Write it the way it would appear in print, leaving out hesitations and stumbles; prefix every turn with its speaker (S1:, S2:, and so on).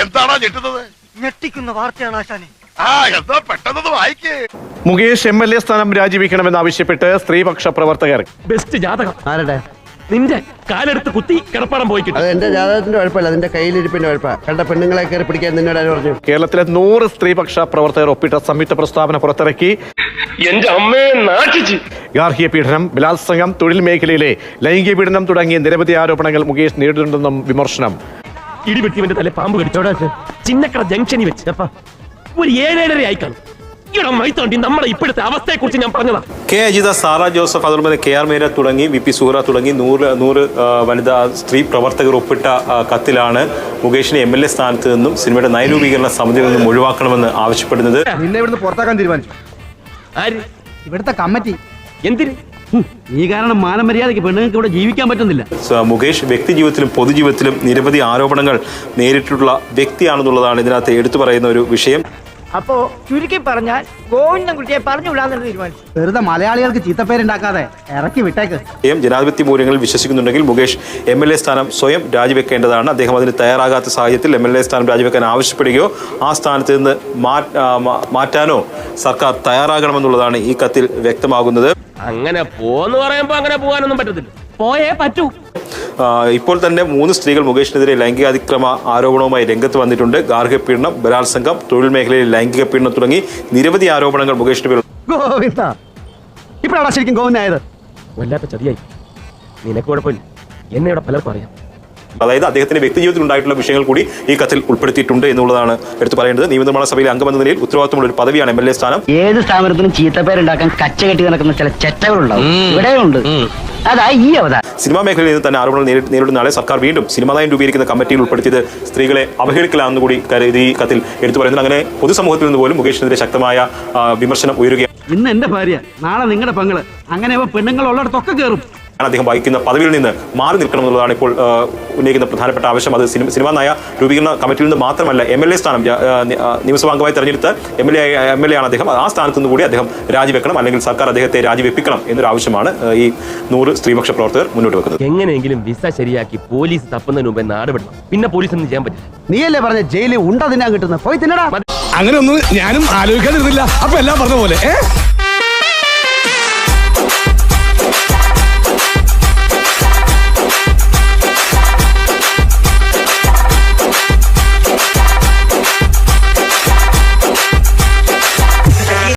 S1: എന്താണോ ഞെട്ടുന്നത്?
S2: ഞെട്ടിക്കുന്ന വാർത്തയാണ് ആശാനെ.
S1: എന്താ പെട്ടെന്ന് വായിക്കേ.
S3: മുകേഷ് MLA സ്ഥാനം രാജിവെക്കണമെന്നാവശ്യപ്പെട്ട് സ്ത്രീപക്ഷ പ്രവർത്തകർ.
S4: ബെസ്റ്റ് ജാതകം
S5: ആരുടെ?
S4: നിന്റെ കാലെടുത്ത് കുത്തി കിടപ്പാടം പോയി കിട്ടും.
S5: അത് എന്റെ ജാതകത്തിന്റെ കുഴപ്പമില്ല, അതിന്റെ കയ്യിലിരിപ്പിന്റെ കുഴപ്പ. കണ്ട പെണ്ണുങ്ങളെ കയറി പിടിക്കാൻ നിന്നോട് ആര് പറഞ്ഞു?
S3: കേരളത്തിലെ 100 സ്ത്രീപക്ഷ പ്രവർത്തകർ ഒപ്പിട്ട സംയുക്ത പ്രസ്താവന പുറത്തിറക്കി.
S4: എന്റെ അമ്മയെ നാട്ടിച്ച്
S3: ഗാർഹിക പീഡനം, ബലാത്സംഗം, തൊഴിൽ മേഖലയിലെ ലൈംഗിക പീഡനം തുടങ്ങിയ നിരവധി ആരോപണങ്ങൾ മുകേഷ് നേരിടുന്നുണ്ടെന്നും വിമർശനം.
S4: ഇടിവെട്ടിവന്റെ തല പാമ്പ് കടിച്ചോടാ. ചിന്നക്കട ജംഗ്ഷനിൽ വെച്ച് ഒരു 7-7:30 ആയി കാണും. ഇവിടെ മൈത്തോണ്ടി നമ്മുടെ ഇപ്പോഴത്തെ അവസ്ഥയെ കുറിച്ച് ഞാൻ പറഞ്ഞതാ.
S6: കെ അജിത, സാറ ജോസഫ്, അതുപോലെ KR മീര തുടങ്ങി VP സുഹറ തുടങ്ങി 100 വനിതാ സ്ത്രീ പ്രവർത്തകർ ഒപ്പിട്ട കത്തിലാണ് മുകേഷിനെ MLA സ്ഥാനത്ത് നിന്നും സിനിമയുടെ നയരൂപീകരണ സമിതിയിൽ നിന്നും ഒഴിവാക്കണമെന്ന് ആവശ്യപ്പെടുന്നത്.
S5: നിന്നെ ഇവിടുന്ന് പുറത്താക്കാൻ തീരുമാനിച്ചു.
S4: ആര്?
S5: ഇവിടുത്തെ കമ്മിറ്റി.
S4: എന്തിന്?
S5: ഈ കാരണം മാനമര്യാദയ്ക്ക് പെണ്ണുങ്ങൾക്ക് ഇവിടെ ജീവിക്കാൻ പറ്റുന്നില്ല.
S6: മുകേഷ് വ്യക്തി ജീവിതത്തിലും പൊതുജീവിതത്തിലും നിരവധി ആരോപണങ്ങൾ നേരിട്ടുള്ള വ്യക്തിയാണെന്നുള്ളതാണ് ഇതിനകത്ത് എടുത്തു പറയുന്ന ഒരു വിഷയം.
S2: അപ്പോ ചുരുക്കി പറഞ്ഞാൽ ഗോവിന്ദൻകുട്ടിയെ പറഞ്ഞു വിടാന്ന് തീരുമാനിച്ചു.
S5: വെറുതെ മലയാളികൾക്ക് ചീത്തപ്പേരുണ്ടാക്കാതെ ഇറക്കി വിട്ടേക്ക്.
S6: ജനാധിപത്യ മൂല്യങ്ങളിൽ വിശ്വസിക്കുന്നുണ്ടെങ്കിൽ മുകേഷ് MLA സ്ഥാനം സ്വയം രാജിവെക്കേണ്ടതാണ്. അദ്ദേഹം അതിന് തയ്യാറാകാത്ത സാഹചര്യത്തിൽ MLA സ്ഥാനം രാജിവെക്കാൻ ആവശ്യപ്പെടുകയോ ആ സ്ഥാനത്ത് നിന്ന് മാറ്റാനോ സർക്കാർ തയ്യാറാകണമെന്നുള്ളതാണ് ഈ കത്തിൽ വ്യക്തമാകുന്നത്.
S4: അങ്ങനെ പോന്ന് പറയുമ്പോ അങ്ങനെ പോകാനൊന്നും പറ്റത്തില്ല. പോയേ പറ്റൂ.
S6: ഇപ്പോൾ തന്നെ 3 സ്ത്രീകൾ മുകേഷിനെതിരെ ലൈംഗികാതിക്രമ ആരോപണവുമായി രംഗത്ത് വന്നിട്ടുണ്ട്. ഗാർഹിക പീഡനം, ബലാത്സംഗം, തൊഴിൽ മേഖലയിൽ ലൈംഗിക പീഡനം തുടങ്ങി നിരവധി ആരോപണങ്ങൾ മുകേഷിന്റെ പേരിൽ.
S5: ഗോവിന്ദ, ഇപ്പോഴാണ് ശരിക്കും ഗോവിന്ദായത്.
S4: വല്ലാത്ത ചതിയായി. നിനക്ക് കുഴപ്പമില്ല, എന്നെ ഇവിടെ പലർക്കും അറിയാം.
S6: അതായത് അദ്ദേഹത്തിന്റെ വ്യക്തിജീവിതത്തിൽ ഉണ്ടായിട്ടുള്ള വിഷയങ്ങൾ കൂടി ഈ കത്തിൽ ഉൾപ്പെടുത്തിയിട്ടുണ്ട് എന്നുള്ളതാണ് എടുത്തു പറയേണ്ടത്. നിയമനിർമ്മാണ സഭയിലെ അംഗമെന്ന നിലയിൽ ഉത്തരവാദിത്തമുള്ള ഒരു പദവിയാണ് MLA സ്ഥാനം.
S7: ഏത് സ്ഥാപനത്തിനും ചീത്തപ്പേരുണ്ടാക്കാൻ കച്ച കെട്ടി നടക്കുന്ന ചില ചെറ്റകളുണ്ടാവും. ഇവിടെയുണ്ട്. അതാ ഈ അവതാരം.
S6: സിനിമാ മേഖലയിൽ നിന്ന് തന്നെ ആരോപണം നേരിടുന്ന ആളെ സർക്കാർ വീണ്ടും സിനിമാ നയം രൂപീകരിക്കുന്ന കമ്മിറ്റിയിൽ ഉൾപ്പെടുത്തിയത് സ്ത്രീകളെ അവഹേളിക്കലാണെന്ന് കൂടി ഈ കത്തിൽ എടുത്തു പറയുന്നത്. അങ്ങനെ പൊതുസമൂഹത്തിൽ നിന്ന് പോലും മുകേഷിനെതിരെ ശക്തമായ വിമർശനം ഉയരുകയാണ്.
S5: ഇന്ന് എന്റെ ഭാര്യ, നാളെ നിങ്ങളുടെ പെങ്ങള്, അങ്ങനെ പെണ്ണുങ്ങൾ ഉള്ളിടത്തൊക്കെ കയറും.
S6: അദ്ദേഹം വഹിക്കുന്ന പദവിയിൽ നിന്ന് മാറി നിൽക്കണം എന്നുള്ളതാണ് ഇപ്പോൾ ഉന്നയിക്കുന്ന പ്രധാനപ്പെട്ട ആവശ്യം. അത് സിനിമാ നയ രൂപീകരണ കമ്മിറ്റിയിൽ നിന്ന് മാത്രമല്ല, MLA സ്ഥാനം നിയമസഭാ അംഗമായി തെരഞ്ഞെടുത്ത MLA ആണ് അദ്ദേഹം. ആ സ്ഥാനത്ത് നിന്ന് കൂടി അദ്ദേഹം രാജിവെക്കണം, അല്ലെങ്കിൽ സർക്കാർ അദ്ദേഹത്തെ രാജിവെപ്പിക്കണം എന്നൊരു ആവശ്യമാണ് ഈ 100 സ്ത്രീപക്ഷ പ്രവർത്തകർ മുന്നോട്ട് വെക്കുന്നത്.
S4: എങ്ങനെയെങ്കിലും വിസ ശരിയാക്കി പോലീസ് തപ്പുന്നതിന് മുമ്പേ നാട് വിടണം. പിന്നെ പോലീസ് ഒന്നും ചെയ്യാൻ പറ്റില്ല.
S5: നീയല്ലേ പറഞ്ഞ ജയിലിൽ ഉണ്ട തിന്നാൻ കിട്ടുന്നത്? പോയി തിന്നടാ.
S8: അങ്ങനെ ഒന്നും ഞാനും ആലോചിക്കാതിരുന്നില്ല. അപ്പൊ എല്ലാം പറഞ്ഞ പോലെ